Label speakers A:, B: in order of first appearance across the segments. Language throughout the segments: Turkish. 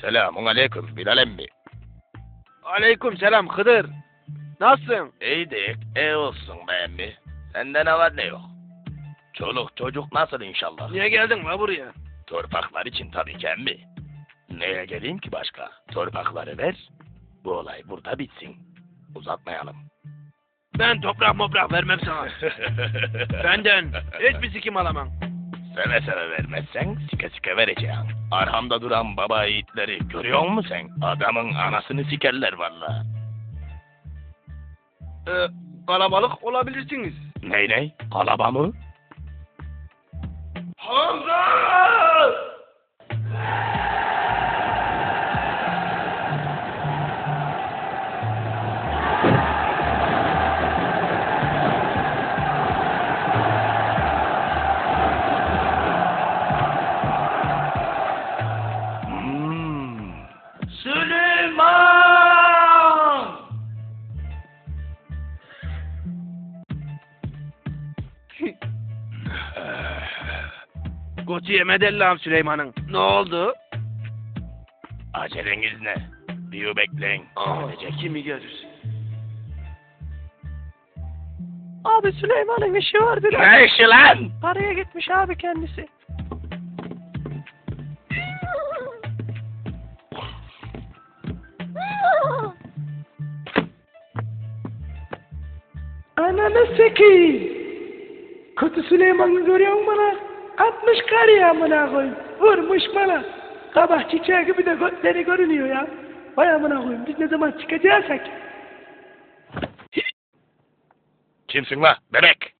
A: Selamun aleyküm Bilal emmi.
B: Aleyküm selam Hıdır. Nasılsın?
A: İyidik, iyi olsun be emmi. Sende ne var ne yok? Çoluk çocuk nasıl inşallah?
B: Niye geldin la buraya?
A: Torpaklar için tabii ki emmi. Neye geleyim ki başka? Torpakları ver, bu olay burada bitsin. Uzatmayalım.
B: Ben toprak vermem sana. Benden hiçbir sikim alamam.
A: Seve seve vermezsen sike sike vereceğim. Arhamda duran baba yiğitleri görüyor musun sen? Adamın anasını sikerler valla.
B: Kalabalık olabilirsiniz.
A: Ney? Kalaba mı?
B: Hamza! Süleyman! Koçu yemedi Allah'ım Süleyman'ın. Ne oldu?
A: Aceleniz ne? Bir bekleyin. Gelecek.
B: Kimi görür?
C: Abi Süleyman'ın işi var biraz.
A: Ne işi lan?
C: Paraya gitmiş abi kendisi. Ananı sikeyim. Kötü Süleyman'ı görüyor musun bana? 60 kar ya amına koyayım. Vurmuş bana. Kabak çiçeği gibi de götleri görünüyor ya. Vay amına koyayım. Biz ne zaman çıkacaksak.
A: Kimsin la bebek?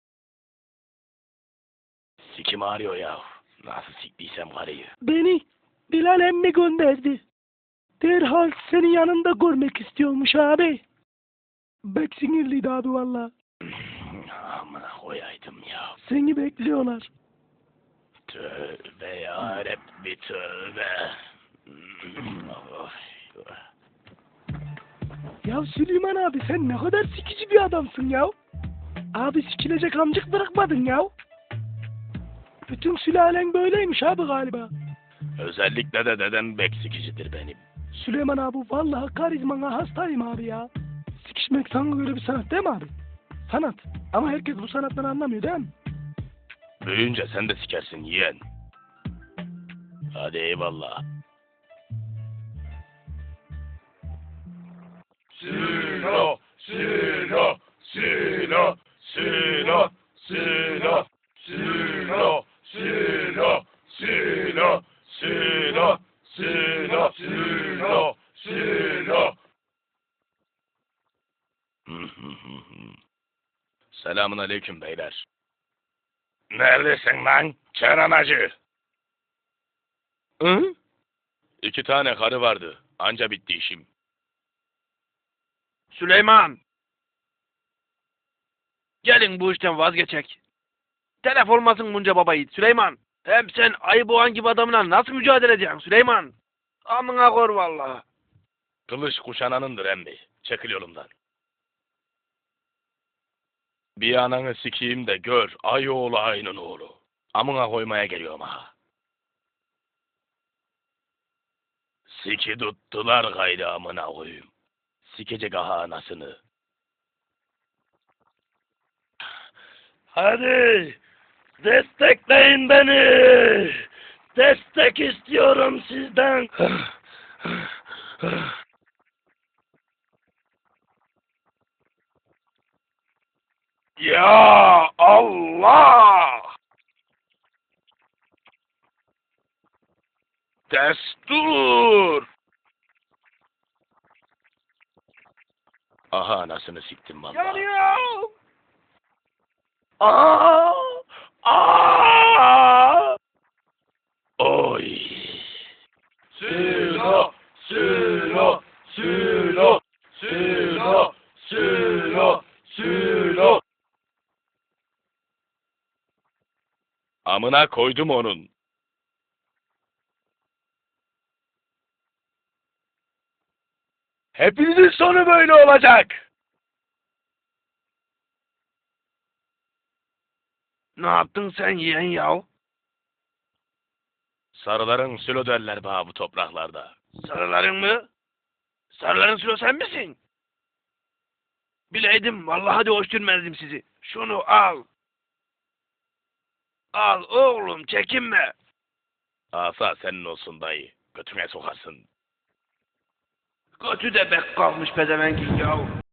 A: Sikim ağrıyor ya. Nasıl siktiysem karıyı.
C: Beni Bilal emmi gönderdi. Derhal senin yanında görmek istiyormuş abi. Bek sinirliydi abi valla.
A: Amına koyaydım ya.
C: Seni bekliyorlar.
A: Tövbe yarabbi tövbe.
C: Ya Süleyman abi sen ne kadar sikici bir adamsın ya. Abi sikilecek amcık bırakmadın ya. Bütün sülalen böyleymiş abi galiba.
A: Özellikle de dedem bek sikicidir benim.
C: Süleyman abi vallahi karizmana hastayım abi ya. Sikişmek sana göre bir sanat değil mi abi? Sanat. Ama herkes bu sanattan anlamıyor değil mi?
A: Büyüyünce sen de sikersin yeğen. Hadi eyvallah. Sülo, sülo, sülo, sülo, sülo, sülo, sülo, sülo, sülo, sülo, sülo, sülo. Selamun aleyküm beyler. Neredesin lan? Kenan Hacı.
C: Hı?
A: 2 tane karı vardı. Anca bitti işim.
B: Süleyman! Gelin bu işten vazgeçek. Telef olmasın bunca baba yiğit Süleyman. Hem sen ayı boğan gibi adamla nasıl mücadele edeceksin Süleyman? Amına kor vallahi.
A: Kılıç kuşananındır emmi. Çekil yolumdan. Bir ananı sikeyim de gör. Ay oğlu ayının oğlu. Amına koymaya geliyorum ha. Siki tuttular gayrı amına koyayım. Sikecek aha anasını. Hadi destekleyin beni. Destek istiyorum sizden. Ya Allah! Destur! Aha anasını siktim vallahi.
B: Yanıyor!
A: Aa! Aa! Oy! Sülo! Sülo! Sülo! Sülo! Sülo! Sülo! Amına koydum onun. Hepinizin sonu böyle olacak.
B: Ne yaptın sen yeğen yav?
A: Sarıların sülo derler bana bu topraklarda.
B: Sarıların mı? Sarıların sülo sen misin? Bileydim vallahi de hoş görmezdim sizi. Şunu al. Al oğlum çekinme.
A: Asa senin olsun dayı. Götüne sokarsın.
B: Götü de bek kalmış pezevenkin yahu.